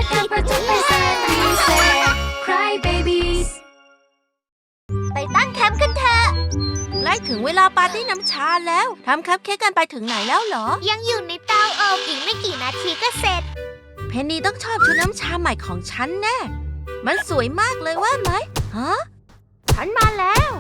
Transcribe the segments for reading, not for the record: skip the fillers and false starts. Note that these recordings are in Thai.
กันประจบไปแสนดีแสน Cry Babies ไปตั้งแคมป์กันเถอะใกล้ถึงเวลาปาร์ตี้น้ำชาแล้วทำคัพเค้กกันไปถึงไหนแล้วเหรอยังอยู่ในเตาอบอีกไม่กี่นาทีก็เสร็จเพนนีต้องชอบชุดน้ำชาใหม่ของฉันแน่มันสวยมากเลยว่าไหมฮะฉันมาแล้ว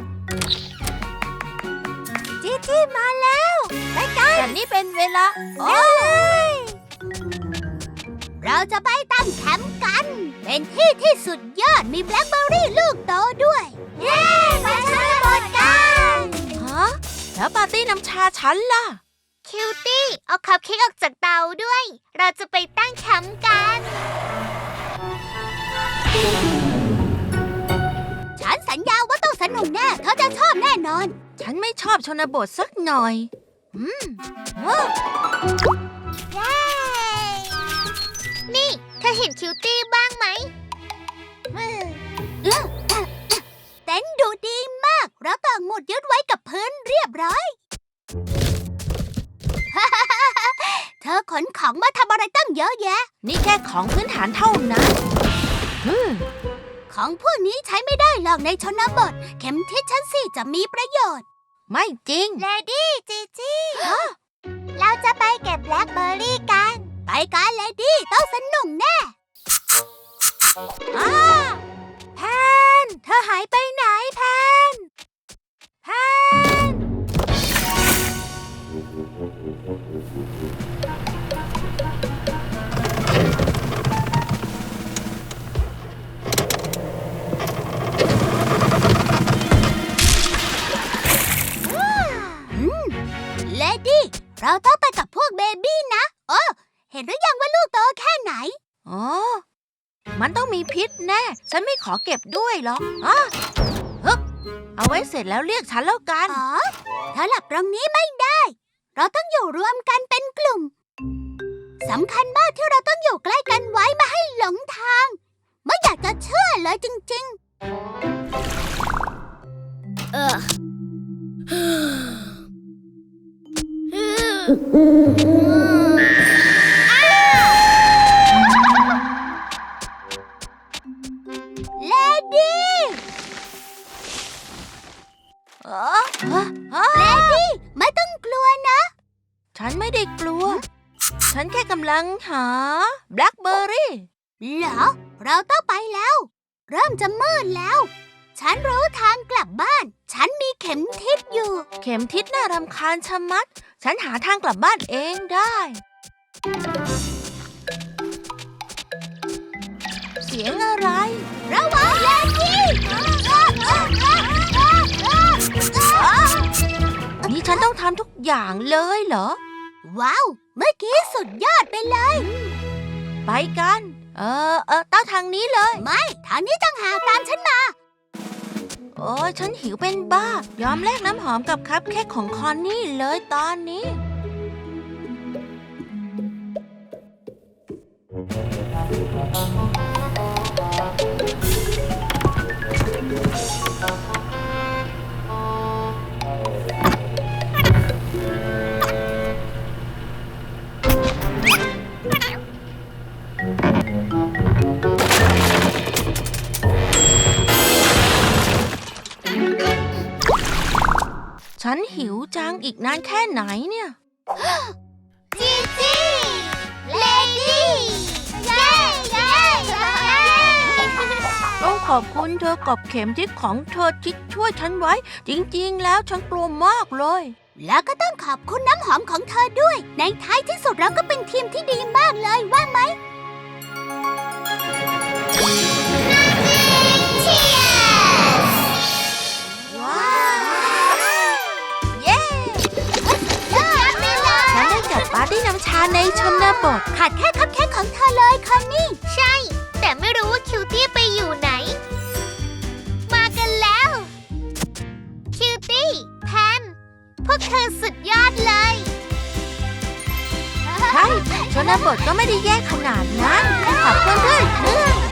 จีจี้มาแล้วไปกันแต่นี่เป็นเวลาโอ้ยเราจะไปตั้งแคมป์กันเป็นที่สุดยอดมีแบล็คเบอร์รี่ลูกโตด้วยเย้ไปชนบทกันฮะแล้วปาร์ตี้น้ำชาฉันล่ะคิวตี้เอาคัพเค้กออกจากเตาด้วยเราจะไปตั้งแคมป์กันฉันสัญญาว่าต้องสนุกแน่เธอจะชอบแน่นอนฉันไม่ชอบชนบทสักหน่อยเย้นี่เธอเห็นคิวตี้บ้างไหมเต็นท์ดูดีมากเราต่างหมุดยึดไว้กับพื้นเรียบร้อย เธอขนของมาทำอะไรตั้งเยอะแยะนี่แค่ของพื้นฐานเท่านั้นของพวกนี้ใช้ไม่ได้หรอกในชนบทเข็มทิศชั้น4จะมีประโยชน์ไม่จริงเลดี้จีจี้เราจะไปเก็บแบล็คเบอร์รี่กันไปกันเลดี้ต้องสนุกแน่แพนเธอหายไปไหนแพนเลดี้เราต้องไปกับพวกเบบี้นะเห็นหรือยังว่าลูกโตแค่ไหนมันต้องมีพิษแน่ฉันไม่ขอเก็บด้วยหรอกเอาไว้เสร็จแล้วเรียกฉันแล้วกันเธอหลับตรงนี้ไม่ได้เราต้องอยู่รวมกันเป็นกลุ่มสำคัญมากที่เราต้องอยู่ใกล้กันไว้ไม่ให้หลงทางไม่อยากจะเชื่อเลยจริงๆเลดี้เลดี้ไม่ต้องกลัวนะฉันไม่ได้กลัวฉันแค่กำลังหาแบล็คเบอร์รี่เหรอเราต้องไปแล้วเริ่มจะมืดแล้วฉันรู้ทางกลับบ้านฉันมีเข็มทิศอยู่เข็มทิศน่ารำคาญชะมัดฉันหาทางกลับบ้านเองได้เสียงอะไรระวังเลดี้นี่ฉันต้องทำทุกอย่างเลยเหรอว้าวเมื่อกี้สุดยอดไปเลยไปกันต้องทางนี้เลยไม่ทางนี้ต้องหาตามฉันมาโอ้ยฉันหิวเป็นบ้ายอมแลกน้ำหอมกับคัพเค้กของคอนนี่เลยตอนนี้ฉันหิวจังอีกนานแค่ไหนเนี่ยจีจี้เลดี้เย้ต้องขอบคุณเธอกับเข็มทิศของเธอที่ช่วยฉันไว้จริงๆแล้วฉันกลัวมากเลยแล้วก็ต้องขอบคุณน้ำหอมของเธอด้วยในท้ายที่สุดเราก็เป็นทีมที่ดีมากเลยว่าไหมปาร์ตี้น้ำชาในชนบทขาดแค่คัพเค้กของเธอเลยคอนนี่ใช่แต่ไม่รู้ว่าคิวตี้ไปอยู่ไหนมากันแล้วคิวตี้แพนพวกเธอสุดยอดเลยใช่ชนบทก็ไม่ได้แย่ขนาดนั้นขอบคุณเพื่อน